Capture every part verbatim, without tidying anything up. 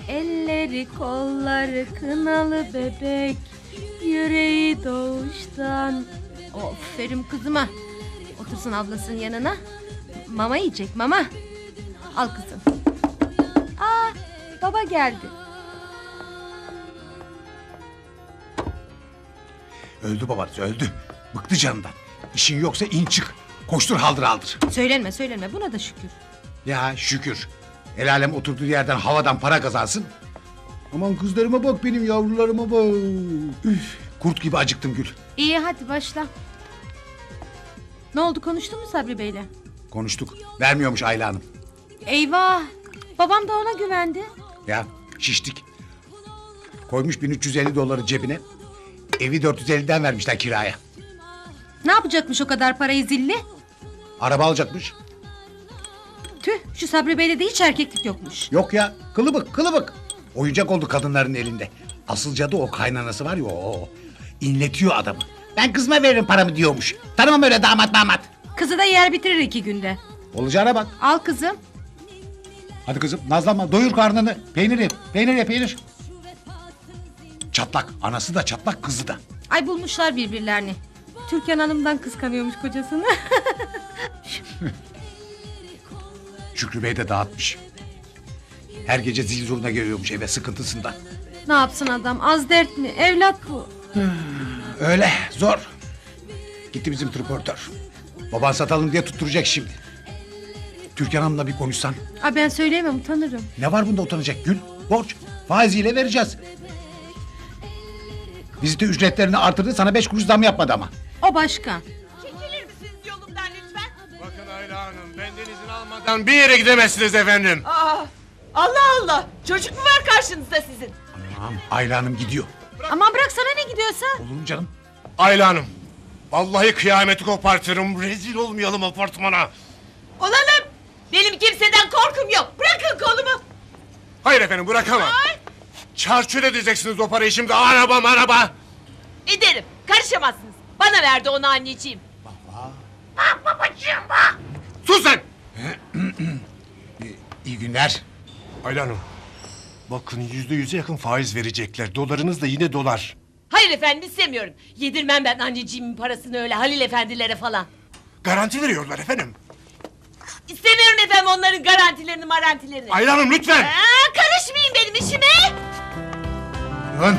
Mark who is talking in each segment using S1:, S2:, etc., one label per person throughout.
S1: Elleri kolları kınalı bebek, yüreği doğuştan. Aferin kızıma. Otursun ablasının yanına. Mama yiyecek mama. Al kızım. Aa, baba geldi.
S2: Öldü babanız öldü. Bıktı canından. İşin yoksa in çık. Koştur haldır haldır.
S1: Söylenme söylenme, buna da şükür.
S2: Ya şükür. El alem oturduğu yerden havadan para kazansın. Aman kızlarıma bak, benim yavrularıma bak. Üf, kurt gibi acıktım Gül.
S1: İyi hadi başla. Ne oldu, konuştun mu Sabri Bey'le?
S2: Konuştuk. Vermiyormuş Ayla Hanım.
S1: Eyvah. Babam da ona güvendi.
S2: Ya şiştik. Koymuş bin üç yüz elli doları cebine. Evi dört yüz elliden vermişler kiraya.
S1: Ne yapacakmış o kadar parayı zilli?
S2: Araba alacakmış.
S1: Tüh, şu Sabri Bey'de de hiç erkeklik yokmuş.
S2: Yok ya, kılıbık kılıbık. Oyuncak oldu kadınların elinde. Asıl cadı o kaynanası var ya, o. İnletiyor adamı. Ben kızıma veririm paramı diyormuş. Tanımam öyle damat damat.
S1: Kızı da yer bitirir iki günde.
S2: Olacağına bak.
S1: Al kızım.
S2: Hadi kızım nazlanma, doyur karnını. Peynir ye, peynir ye, peynir. Çatlak, anası da çatlak, kızı da.
S1: Ay bulmuşlar birbirlerini. Türkan Hanım'dan kıskanıyormuş kocasını.
S2: Şükrü Bey de dağıtmış. Her gece zil zurna geliyormuş eve sıkıntısından.
S1: Ne yapsın adam, az dert mi? Evlat bu.
S2: Öyle, zor. Gitti bizim tripörtör. Baban satalım diye tutturacak şimdi. Türkan Hanım'la bir konuşsan.
S1: Aa, ben söyleyemem, utanırım.
S2: Ne var bunda utanacak Gül? Borç. Faiziyle vereceğiz. Vizite ücretlerini artırdı, sana beş kuruş zam yapmadı ama.
S1: O başka.
S3: Çekilir misiniz yolumdan lütfen?
S4: Bakın Ayla Hanım, benden izin almadan bir yere gidemezsiniz efendim.
S3: Aa, Allah Allah! Çocuk mu var karşınızda sizin?
S2: Tamam, Ayla Hanım gidiyor.
S1: Aman bırak, sana ne gidiyorsa.
S2: Olur mu canım?
S4: Ayla Hanım, vallahi kıyameti kopartırım, rezil olmayalım apartmana.
S3: Olalım! Benim kimseden korkum yok. Bırakın kolumu.
S4: Hayır efendim, bırakamam.
S3: Ay!
S4: Çarçur edeceksiniz o parayı şimdi, araba araba.
S3: Ederim. Karışamazsınız. Bana verdi onu anneciğim.
S4: Sus sen!
S2: İyi günler.
S4: Ayla Hanım, bakın yüzde yüze yakın faiz verecekler. Dolarınız da yine dolar.
S3: Hayır efendim, istemiyorum. Yedirmem ben anneciğimin parasını öyle Halil efendilere falan.
S4: Garanti veriyorlar efendim.
S3: İstemiyorum efendim onların garantilerini marantilerini.
S4: Ayla Hanım lütfen!
S3: Aa, karışmayın benim işime.
S2: Dön.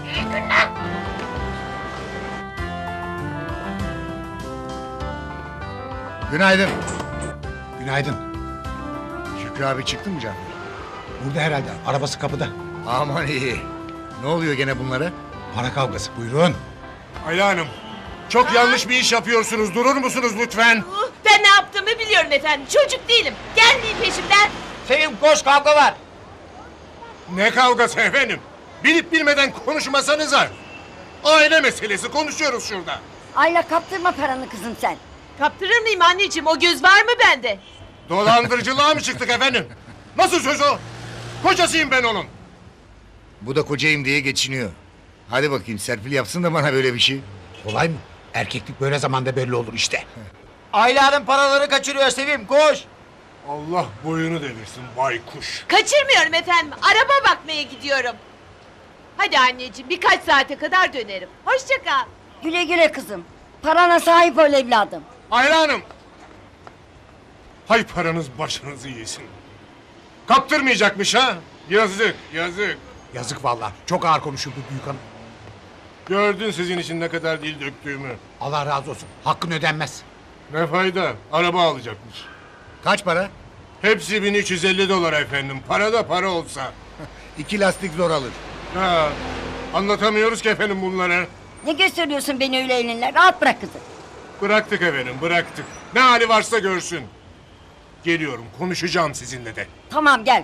S2: Günaydın. Günaydın.
S5: Şükrü abi çıktı mı Cafer?
S2: Burada herhalde, arabası kapıda.
S5: Aman iyi. Ne oluyor gene bunlara?
S2: Para kavgası, buyurun.
S4: Ayla Hanım, çok yanlış bir iş yapıyorsunuz. Durur musunuz lütfen?
S3: Uh, Ben ne yaptığımı biliyorum efendim. Çocuk değilim. Gelmeyin peşimden.
S6: Sevim koş, kavga var.
S4: Ne kavgası efendim? Bilip bilmeden konuşmasanıza. Aile meselesi, konuşuyoruz şurada.
S7: Ayla kaptırma paranı kızım sen.
S3: Kaptırır mıyım anneciğim? O göz var mı bende?
S4: Dolandırıcılığa mı çıktık efendim? Nasıl söz o? Kocasıyım ben onun.
S5: Bu da kocayım diye geçiniyor. Hadi bakayım Serpil yapsın da bana böyle bir şey.
S2: Kolay mı? Erkeklik böyle zamanda belli olur işte.
S6: Ayla'nın paraları kaçırıyor Sevim, koş.
S4: Allah boyunu devirsin baykuş.
S3: Kaçırmıyorum efendim. Araba bakmaya gidiyorum. Hadi anneciğim, birkaç saate kadar dönerim. Hoşça kal.
S7: Güle güle kızım. Parana sahip ol evladım.
S4: Ayla Hanım. Hay paranız başınızı yesin. Kaptırmayacakmış ha? Yazık, yazık.
S2: Yazık vallahi. Çok ağır konuşuldu büyük hanım.
S4: Gördün sizin için ne kadar dil döktüğümü.
S2: Allah razı olsun. Hakkın ödenmez.
S4: Ne fayda? Araba alacakmış.
S5: Kaç para?
S4: Hepsi bin üç yüz elli dolar efendim. Para da para olsa.
S5: İki lastik zor alır.
S4: Ha, anlatamıyoruz ki efendim bunları.
S7: Ne gösteriyorsun beni öyle elinle? Rahat bırak kızım.
S4: Bıraktık efendim, bıraktık. Ne hali varsa görsün. Geliyorum, konuşacağım sizinle de.
S7: Tamam gel.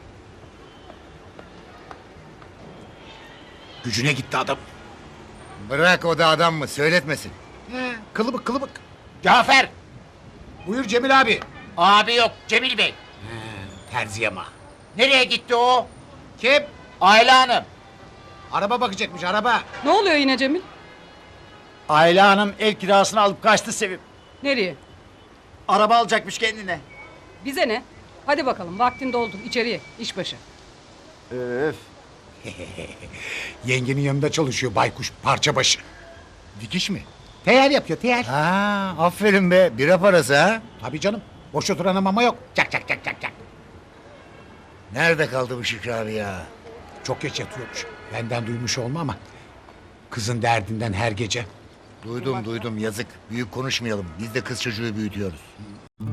S2: Gücüne gitti adam.
S5: Bırak, o da adam mı? Söyletmesin.
S2: He, kılıbık kılıbık.
S6: Cafer.
S2: Buyur Cemil abi.
S6: Abi yok, Cemil Bey.
S2: Terzi ama.
S6: Nereye gitti o?
S2: Kim?
S6: Ayla Hanım.
S2: Araba bakacakmış, araba.
S8: Ne oluyor yine Cemil?
S6: Ayla Hanım el kirasını alıp kaçtı Sevim.
S8: Nereye?
S6: Araba alacakmış kendine.
S8: Bize ne? Hadi bakalım, vaktin doldu. İçeriye, iş başı.
S6: Öf.
S2: Yengenin yanında çalışıyor baykuş parça başı.
S5: Dikiş mi?
S2: Teyer yapıyor teyer.
S5: Ha, aferin be. Bira parası ha.
S2: Tabii canım. Boş oturana mama yok. Çak çak çak çak çak.
S5: Nerede kaldı bu Şükrü abi ya?
S2: Çok geç yatıyormuş. Benden duymuş olma ama. Kızın derdinden her gece.
S5: Duydum duydum yazık. Büyük konuşmayalım. Biz de kız çocuğu büyütüyoruz.